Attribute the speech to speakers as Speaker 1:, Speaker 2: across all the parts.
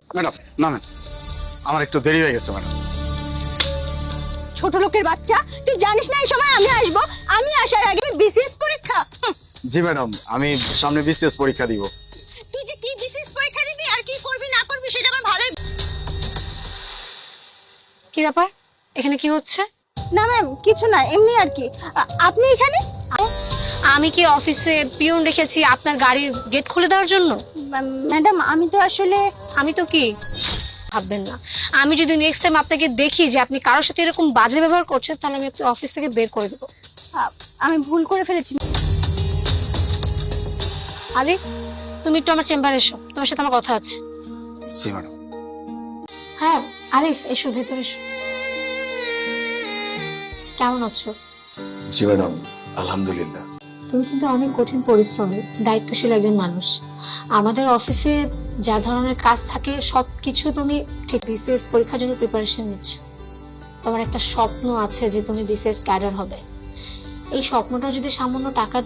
Speaker 1: Madam নামেন, আমার একটু দেরি হয়ে গেছে ম্যাডাম।
Speaker 2: ছোট লোকের বাচ্চা, তুই জানিস না এই সময় আমি আসবো? আমি আসার আগে বিসিএস পরীক্ষা।
Speaker 1: জি ম্যাডাম, আমি সামনে বিসিএস পরীক্ষা দিব।
Speaker 2: তুই যে কি বিসিএস পরীক্ষা দিবি আর কি করবি না করবি সেটা আমার ভালোই।
Speaker 3: কি ব্যাপার, এখানে কি হচ্ছে?
Speaker 2: না ম্যাম, কিছু না, এমনি আর কি। আপনি এখানে?
Speaker 3: আমি কি অফিসে পিয়ন রেখেছি আপনার গাড়ির গেট খুলে দেওয়ার জন্য?
Speaker 2: ম্যাডাম আমি তো আসলে
Speaker 3: আমি তো কি ভাববেন না, আমি যদি নেক্সট টাইম আপনাকে দেখি যে আপনি কারোর সাথে এরকম বাজে ব্যবহার করছেন, তাহলে আমি আপনাকে অফিস থেকে বের করে দেবো।
Speaker 2: আমি ভুল করে ফেলেছি।
Speaker 3: আরে তুমি একটু আমার চেম্বারে এসো, তোমার সাথে আমার কথা আছে।
Speaker 1: জি ম্যাডাম।
Speaker 3: হ্যাঁ আরিফ, এসো ভেতরে এসো। কেমন আছো?
Speaker 1: জি ম্যাডাম, আলহামদুলিল্লাহ।
Speaker 3: তুমি কিন্তু অনেক কঠিন পরিশ্রমী, দায়িত্বশীল একজন মানুষ। আমাদের অফিসে যা ধরনের কাজ থাকে সবকিছু তুমি ঠিক বিসিএস পরীক্ষার জন্য প্রিপারেশন নিচ্ছ। তোমার একটা স্বপ্ন আছে যে তুমি বিসিএস ক্যাডার হবে। এই স্বপ্নটা যদি সামান্য টাকার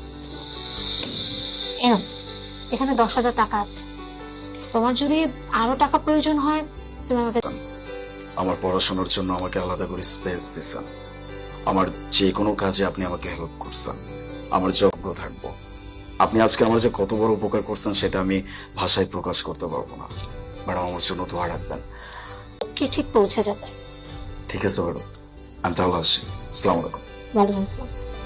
Speaker 3: এখানে 10,000 টাকা আছে। তোমার যদি আরো টাকা প্রয়োজন হয় তুমি আমাকে।
Speaker 1: আমার পড়াশোনার জন্য আমাকে আলাদা করে স্পেস দিয়েছেন। আমার যে কোনো কাজে আপনি আমাকে হেল্প করছেন, আমার যোগ্য থাকবো। আপনি আজকে আমার যে কত বড় উপকার করছেন সেটা আমি ভাষায় প্রকাশ করতে পারবো না। ম্যাডাম আমার জন্য দোয়া রাখবেন।
Speaker 3: কি ঠিক পৌঁছে যাবে।
Speaker 1: ঠিক আছে ম্যাডাম, আমি তাহলে আসি। আসসালামু আলাইকুম।
Speaker 3: ওয়ালাইকুম আসসালাম।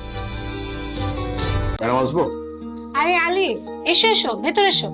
Speaker 1: ম্যাডাম আসবো?
Speaker 3: আরে আলি, এসো এসো ভেতরে এসো।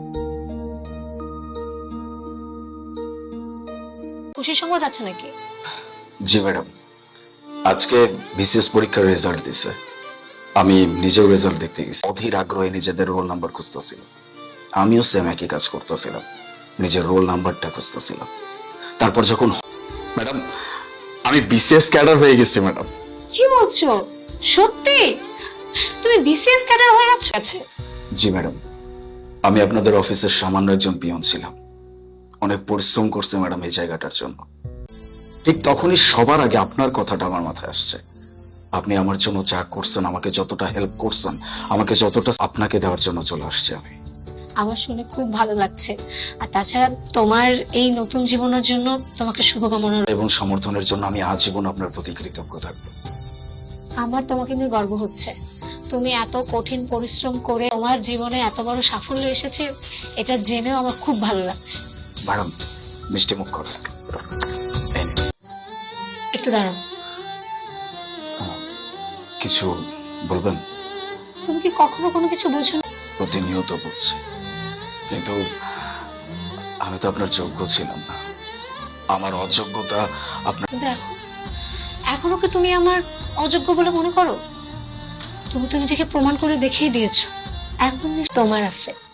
Speaker 3: খুশির সংবাদ আছে নাকি?
Speaker 1: জি ম্যাডাম, আজকে বিসিএস পরীক্ষার রেজাল্ট দিছে। আমি নিজেও রেজাল্ট দেখতে গেছি। অধীর আগ্রহে নিজেদের রোল নাম্বার খুঁজতেছিলাম। আমিও সেম একই কাজ করতেছিলাম, নিজের রোল নাম্বারটা খুঁজতেছিলাম। তারপর যখন ম্যাডাম আমি বিসিএস ক্যাডার হয়ে গেছি ম্যাডাম।
Speaker 3: কি বলছো? সত্যি তুমি বিসিএস ক্যাডার হয়ে গেছো?
Speaker 1: জি ম্যাডাম, আমি আপনাদের অফিসের সামান্য একজন পিয়ন ছিলাম। অনেক পরিশ্রম করছে ম্যাডাম এই জায়গাটার জন্য। ঠিক তখনই সবার আগে আপনার কথাটা আমার মাথায় আসছে। আপনি আমার জন্য যা করছেন, আমাকে যতটা হেল্প করছেন, আমাকে যতটা আপনাকে দেওয়ার জন্য চলে আসছে আমি।
Speaker 3: আমার শুনে খুব ভালো লাগছে। আর তাছাড়া তোমার এই নতুন জীবনের জন্য তোমাকে শুভকামনা
Speaker 1: এবং সমর্থনের জন্য আমি আজীবন আপনার প্রতি কৃতজ্ঞ থাকবো।
Speaker 3: আমার তোমাকে নিয়ে গর্ব হচ্ছে। তুমি এত কঠিন পরিশ্রম করে তোমার জীবনে এত বড় সাফল্য এসেছে, এটা জেনেও আমার খুব ভালো লাগছে।
Speaker 1: ম্যাডাম মিষ্টি মুখ করবেন। এই নিন।
Speaker 3: একটু দাঁড়াও।
Speaker 1: কিছু বলবেন?
Speaker 3: তুমি কি কখনো কোনো কিছু বোঝো না?
Speaker 1: প্রতিনিয়ত বলছি, কিন্তু আমি তো আপনার যোগ্য ছিলাম না। আমার অযোগ্যতা আপনার।
Speaker 3: কিন্তু এখনো কি তুমি আমার অযোগ্য বলে মনে করো? তুমি তো নিজেকে প্রমাণ করে দেখিয়ে দিয়েছো। এখন তোমার আফ্রে